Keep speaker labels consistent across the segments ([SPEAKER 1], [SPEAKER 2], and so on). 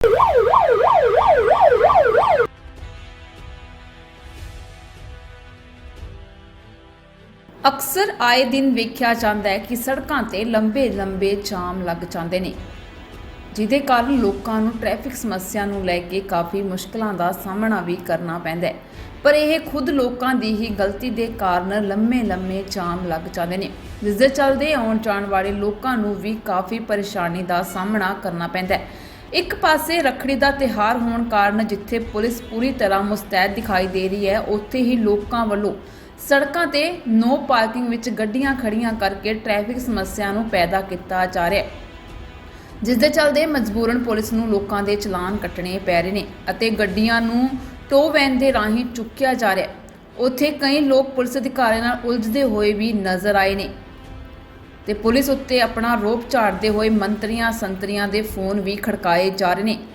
[SPEAKER 1] ਅਕਸਰ ਆਏ ਦਿਨ ਵੇਖਿਆ ਜਾਂਦਾ ਹੈ ਕਿ ਸੜਕਾਂ ਤੇ ਲੰਬੇ ਜਾਮ ਲੱਗ ਜਾਂਦੇ ਨੇ, ਜਿਹਦੇ ਕਾਰਨ ਲੋਕਾਂ ਨੂੰ ਟ੍ਰੈਫਿਕ ਸਮੱਸਿਆ ਨੂੰ ਲੈ ਕੇ ਕਾਫੀ ਮੁਸ਼ਕਲਾਂ ਦਾ ਸਾਹਮਣਾ ਵੀ ਕਰਨਾ ਪੈਂਦਾ ਹੈ। ਪਰ ਇਹ ਖੁਦ ਲੋਕਾਂ ਦੀ ਹੀ ਗਲਤੀ ਦੇ ਕਾਰਨ ਲੰਮੇ ਜਾਮ ਲੱਗ ਜਾਂਦੇ ਨੇ, ਜਿਸ ਦੇ ਚੱਲਦੇ ਆਉਣ ਜਾਣ ਵਾਲੇ ਲੋਕਾਂ ਨੂੰ ਵੀ ਕਾਫੀ ਪਰੇਸ਼ਾਨੀ ਦਾ ਸਾਹਮਣਾ ਕਰਨਾ ਪੈਂਦਾ ਹੈ। ਇੱਕ ਪਾਸੇ ਰੱਖੜੀ ਦਾ ਤਿਉਹਾਰ ਹੋਣ ਕਾਰਨ ਜਿੱਥੇ ਪੁਲਿਸ ਪੂਰੀ ਤਰ੍ਹਾਂ ਮੁਸਤੈਦ ਦਿਖਾਈ ਦੇ ਰਹੀ ਹੈ, ਉੱਥੇ ਹੀ ਲੋਕਾਂ ਵੱਲੋਂ ਸੜਕਾਂ ਤੇ ਨੋ ਪਾਰਕਿੰਗ ਵਿੱਚ ਗੱਡੀਆਂ ਖੜੀਆਂ ਕਰਕੇ ਟ੍ਰੈਫਿਕ ਸਮੱਸਿਆ ਨੂੰ ਪੈਦਾ ਕੀਤਾ ਜਾ ਰਿਹਾ ਹੈ, ਜਿਸ ਦੇ ਚੱਲਦੇ ਮਜਬੂਰਨ ਪੁਲਿਸ ਨੂੰ ਲੋਕਾਂ ਦੇ ਚਲਾਨ ਕੱਟਣੇ ਪੈ ਰਹੇ ਨੇ ਅਤੇ ਗੱਡੀਆਂ ਨੂੰ ਟੋ ਵੈਨ ਦੇ ਰਾਹੀਂ ਚੁੱਕਿਆ ਜਾ ਰਿਹਾ ਹੈ। ਉੱਥੇ ਕਈ ਲੋਕ ਪੁਲਿਸ ਅਧਿਕਾਰੀਆਂ ਨਾਲ ਉਲਝਦੇ ਹੋਏ ਵੀ ਨਜ਼ਰ ਆਏ ਨੇ ਤੇ ਪੁਲਿਸ ਉੱਤੇ ਆਪਣਾ ਰੋਪ ਝਾੜਦੇ ਹੋਏ ਮੰਤਰੀਆਂ ਸੰਤਰੀਆਂ ਦੇ ਫੋਨ ਵੀ ਖੜਕਾਏ ਜਾ ਰਹੇ ਨੇ।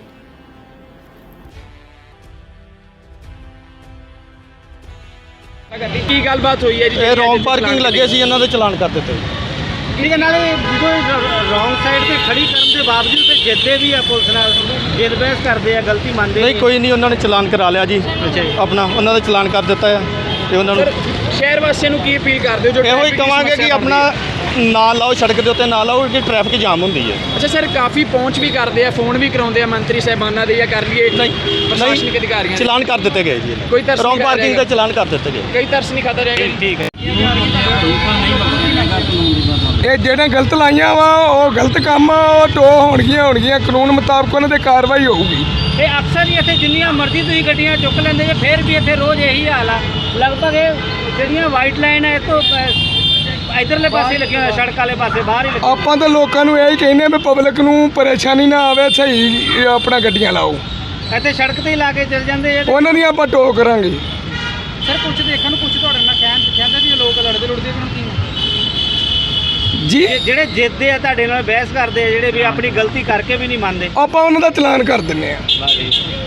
[SPEAKER 2] ਕੀ ਗੱਲਬਾਤ ਹੋਈ ਹੈ ਜੀ?
[SPEAKER 3] ਇਹ ਰੌਂਗ ਪਾਰਕਿੰਗ ਲੱਗੇ ਸੀ, ਇਹਨਾਂ ਦੇ ਚਲਾਨ ਕਰ ਦਿੱਤੇ।
[SPEAKER 2] ਇਹਦੇ ਨਾਲ ਜਦੋਂ ਰੌਂਗ ਸਾਈਡ ਤੇ ਖੜੀ ਕਰਨ ਦੇ ਬਾਵਜੂਦ ਤੇ ਜਿੱਦੇ ਵੀ ਆ ਪੁਲਿਸ ਨਾਲ ਜਿੱਦ ਬਹਿਸ ਕਰਦੇ ਆ, ਗਲਤੀ ਮੰਨਦੇ
[SPEAKER 3] ਨਹੀਂ, ਕੋਈ ਨਹੀਂ, ਉਹਨਾਂ ਨੇ ਚਲਾਨ ਕਰਾ ਲਿਆ ਜੀ।
[SPEAKER 2] ਅੱਛਾ ਜੀ,
[SPEAKER 3] ਆਪਣਾ ਉਹਨਾਂ ਦਾ ਚਲਾਨ ਕਰ ਦਿੱਤਾ ਹੈ ਤੇ ਉਹਨਾਂ ਨੂੰ
[SPEAKER 2] ਸ਼ਹਿਰ ਵਾਸੀਆਂ ਨੂੰ ਕੀ ਅਪੀਲ ਕਰਦੇ ਹੋ? ਜੋ
[SPEAKER 3] ਇਹੋ ਹੀ ਕਵਾਂਗੇ ਕਿ ਆਪਣਾ ਨਾ ਲਾਓ, ਸੜਕ ਦੇ ਉੱਤੇ ਨਾ ਲਾਓ ਕਿ ਟ੍ਰੈਫਿਕ ਜਾਮ ਹੁੰਦੀ ਹੈ।
[SPEAKER 2] ਅੱਛਾ ਸਰ, ਕਾਫੀ ਪਹੁੰਚ ਵੀ ਕਰਦੇ ਆ, ਫੋਨ ਵੀ ਕਰਾਉਂਦੇ ਆ ਮੰਤਰੀ ਸਾਹਿਬਾਨਾਂ ਦੇ, ਜਾਂ ਕਰ ਲਈਏ ਪ੍ਰਸ਼ਾਸਨਿਕ ਅਧਿਕਾਰੀਆਂ ਦੇ?
[SPEAKER 3] ਚਲਾਨ ਕਰ ਦਿੱਤੇ ਗਏ ਜੀ।
[SPEAKER 2] ਕੋਈ ਤਰਸ
[SPEAKER 3] ਰੌਂਗ
[SPEAKER 2] ਨਹੀਂ
[SPEAKER 3] ਪਾਰਕਿੰਗ ਦਾ ਚਲਾਨ ਕਰ ਦਿੱਤੇ ਗਏ।
[SPEAKER 2] ਕਈ ਤਰਸ ਨਹੀਂ ਖਾਦਾ ਜਾਏਗਾ। ਠੀਕ ਹੈ।
[SPEAKER 4] ਇਹ ਜਿਹੜੇ ਗਲਤ ਲਾਈਆਂ ਵਾ ਉਹ ਗਲਤ ਕੰਮ ਉਹ ਟੋ ਹੋਣਗੀਆਂ ਕਾਨੂੰਨ ਮੁਤਾਬਕ ਉਹਨਾਂ ਤੇ ਕਾਰਵਾਈ ਹੋਊਗੀ।
[SPEAKER 5] ਇਹ ਅਕਸਰ ਹੀ ਇੱਥੇ ਜਿੰਨੀਆਂ ਮਰਜ਼ੀ ਤੁਸੀਂ ਗੱਡੀਆਂ ਚੁੱਕ ਲੈਂਦੇ ਜੇ, ਫਿਰ ਵੀ ਇੱਥੇ ਰੋਜ਼ ਇਹੀ ਹਾਲ ਆ। ਲਗਭਗ ਇਹ ਜਿਹੜੀਆਂ ਵਾਈਟ ਲਾਈਨ ਹੈ ਤੋਂ ਇਧਰਲੇ ਪਾਸੇ ਲੱਗੀਆਂ ਹੋਈਆਂ, ਸੜਕ ਵਾਲੇ ਪਾਸੇ ਬਾਹਰ ਹੀ ਲੱਗੀਆਂ।
[SPEAKER 4] ਆਪਾਂ ਤਾਂ ਲੋਕਾਂ ਨੂੰ ਇਹੀ ਕਹਿੰਦੇ ਵੀ ਪਬਲਿਕ ਨੂੰ ਪਰੇਸ਼ਾਨੀ ਨਾ ਆਵੇ, ਸਹੀ ਆਪਣਾ ਗੱਡੀਆਂ ਲਾਓ।
[SPEAKER 5] ਇੱਥੇ ਸੜਕ ਤੇ ਹੀ ਲਾ ਕੇ ਚਲ ਜਾਂਦੇ ਆ।
[SPEAKER 4] ਉਹਨਾਂ ਦੀ ਆਪਾਂ ਟੋ ਕਰਾਂਗੇ।
[SPEAKER 5] ਸਰ ਕੁਝ ਦੇਖਣ ਨੂੰ ਕੁਝ ਤੁਹਾਡੇ ਨਾਲ ਕਹਿੰਦੇ ਵੀ ਲੋਕ ਲੜਦੇ ਕੀ
[SPEAKER 4] ਜੀ
[SPEAKER 5] ਜਿਹੜੇ ਜਿੱਦੇ ਆ ਤੁਹਾਡੇ ਨਾਲ ਬਹਿਸ ਕਰਦੇ ਆ, ਜਿਹੜੇ ਵੀ ਆਪਣੀ ਗਲਤੀ ਕਰਕੇ ਵੀ ਨਹੀਂ ਮੰਨਦੇ,
[SPEAKER 4] ਆਪਾਂ ਉਹਨਾਂ ਦਾ ਚਲਾਨ ਕਰ ਦਿੰਦੇ ਆ।